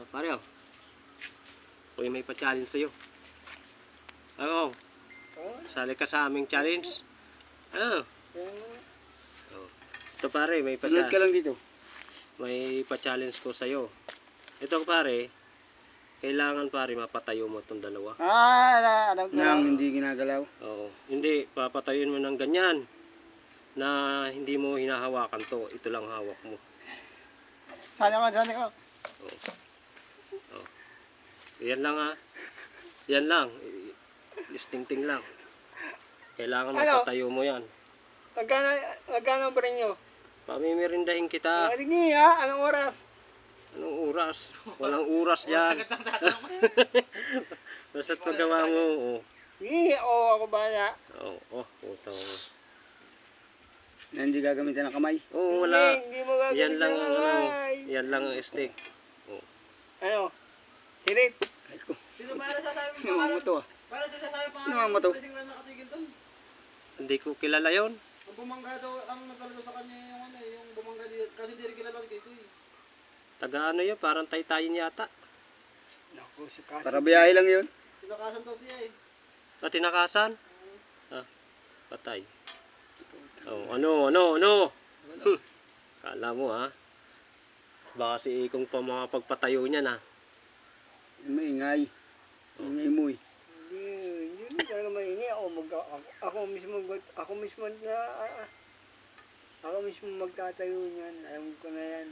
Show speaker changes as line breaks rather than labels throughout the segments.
Pare, oh. Uy, may pa-challenge sa'yo. Oo. Sali ka sa aming challenge. Ano? Oh. Ito pare, may
Tulad ka lang dito.
may pa-challenge ko sa'yo. Ito pare, kailangan pare mapatayo mo itong dalawa.
Alam ko. Nang hindi ginagalaw.
Oo. Hindi, papatayuin mo ng ganyan na hindi mo hinahawakan to. Ito lang hawak mo.
Sana ko.
Oo. Oh. Yan lang ah. Yan lang. Istingting lang. Kailangan mapatayo mo yan.
Magkano ba rin nyo?
Pamimirindahin kita.
Anong oras?
Anong oras? Walang oras dyan. Basta't magawa mo. Oh.
Ako bahala.
Oo. Puto.
Na hindi gagamitin ng kamay?
Oo, wala.
Hindi mo gagamitin
Yan lang
ng
ang
kamay.
yan lang ang stick. Oh.
Ano? Sirit?
Sino para sasabi mo
Namang mo to ah.
Para sasabi pa
Namang mo to.
Kasi nga nakatigil doon.
Hindi ko kilala yon.
Ang bumangga daw, ang nagkalalo sa kanya yung ano, yung bumangga dito. Kasi hindi rin kilala dito eh.
Taga ano yun? Parang taytayin yata.
Naku, para biyahe lang yun.
Tinakasan daw siya eh.
Tinakasan? Ah, patay. Oh, ano? Kala mo ha? Baka si Ikong pa mga pagpatayo niya na.
Maingay. Ingay mo eh. Hindi talaga maingay. Ako mismo magtatayo niyan. Alam ko na yan.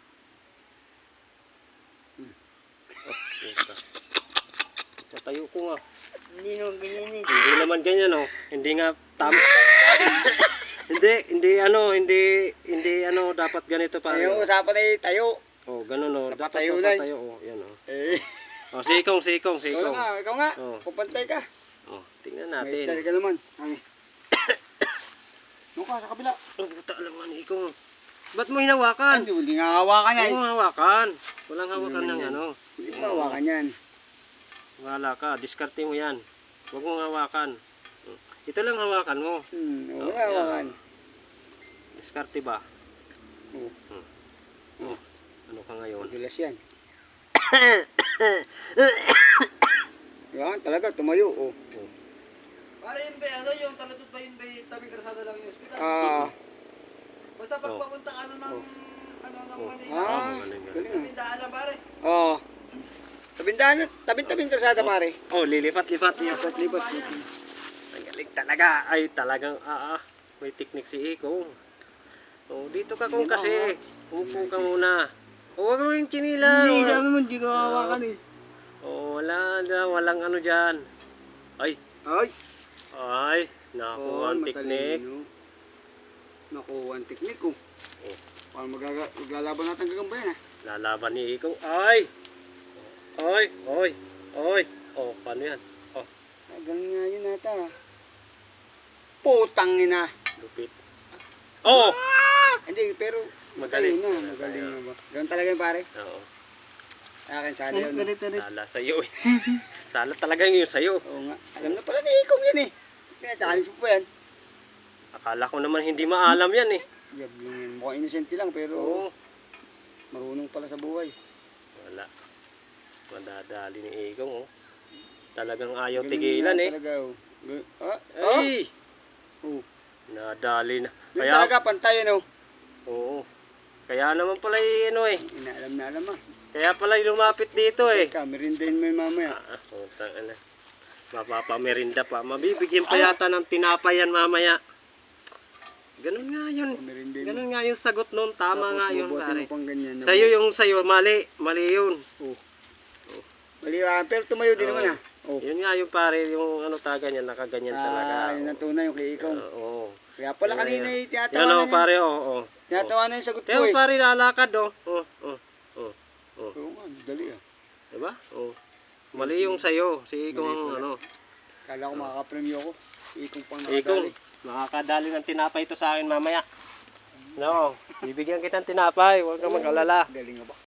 Oh, puta. Patayo ko nga.
Hindi naman ganyan eh.
Hindi naman ganyan oh. Hindi nga tama. hindi dapat ganito pare.
Yung usapan ay tayo.
Oh, ganun oh. Dapat
Napatayo na.
patayo oh, yan oh.
Eh.
Oh, sikong.
Ikaw nga.
Oh.
Pupantay ka.
Oh, tingnan
May
natin.
style ka naman. Ay. Doon ka sa kabila.
Oh, puta lang nga ni Ikong. Ba't mo hinawakan?
Hindi nga hawakan yan.
Huwag mo hawakan. Walang hawakan ng
yan.
ano.
Hindi mo hawakan yan.
Wala ka. Diskarte mo yan. Huwag mo hawakan. Ito lang hawakan mo.
Wala hawakan.
Diskarte ba?
Oo.
Oh. Ano ka ngayon?
Madulas yan. Yan talaga, tumayo. Oh.
Para yun ba, ano yung talatod ba yun ba, tabing karsada lang yung ospital? Basta pag papunta ka na ng, ng Manila.
Galing ah.
Tindaan lang pare.
Oo. Tabing karsada pare.
Oh, lilipat-lipat niya.
Lipat.
Ang galing talaga. Ay, talagang may technique si Ikong. Oh, dito ka kung kasi. Upo ka muna. Oh, wag mo yung chinilang.
Hindi naman, hindi ko hawakan eh.
Oh, walang ano dyan. Ay, nakuha ang technique.
Nakuha ang technique ko.
Oh.
Paano maglalaban natin gagambayan ah.
Lalaban ni Ikong. Ay! Oh, paano yan? Oh,
Ganun nga yun nata. Putang ina.
lupit. Oh!
Hindi, pero
Magaling.
Magaling na ba? Ganun talaga yun pare.
Oo.
Sa akin, sana yun.
Sala sa'yo eh. Sala talaga yun sa'yo.
Oo nga. Alam na pala ni Ikong yan eh. Pinatalis mo pa yan.
Akala ko naman hindi maalam yan eh.
Yan, mukhang innocent lang pero
Oo.
marunong pala sa buhay.
Wala. Madadali ni Ikong oh. Talagang ayaw
Ganun
tigilan
nga
eh.
Talaga, oh.
Ay!
Oh.
Nadali na.
Yun
Kaya,
talaga, pantay ano.
oo. Kaya naman pala ano eh.
Inaalam na alam ah.
Kaya pala lumapit dito eh.
Teka, merindahin mo yung mamaya.
Putang ina. Mapapamerinda pa. Mabibigyan pa yata ng tinapayan mamaya. Ganun nga yun.
Merindahin mo.
Ganun nga yung sagot nun. Tama
Tapos
nga yun
bubuhatin
pare.
mo pang ganyan.
Sa'yo yung sa'yo. Mali. Mali yun.
Mali pero tumayo din naman ah. Oh.
Yun nga yung pare. Yung ano taga niya. Nakaganyan talaga.
Yun ang tunay yung kay Ikong.
Oo.
Kaya pala
Yun,
kanina
yun.
yung tinatawa
Yan
na
o pare. Oo.
Tinatawa na yung sagot ko
Kaya
eh.
pare lalakad oh.
Oo nga, dali ah.
Diba? Oh. Mali yung sa'yo. Si Ikong ang ano.
Kala ko makakapremyo ko. Ikong pang
Ikong,
nakadali.
makakadali ng tinapay ito sa akin mamaya. No, bibigyan kitang tinapay. Huwag kang mag-alala.
Galing nga ba?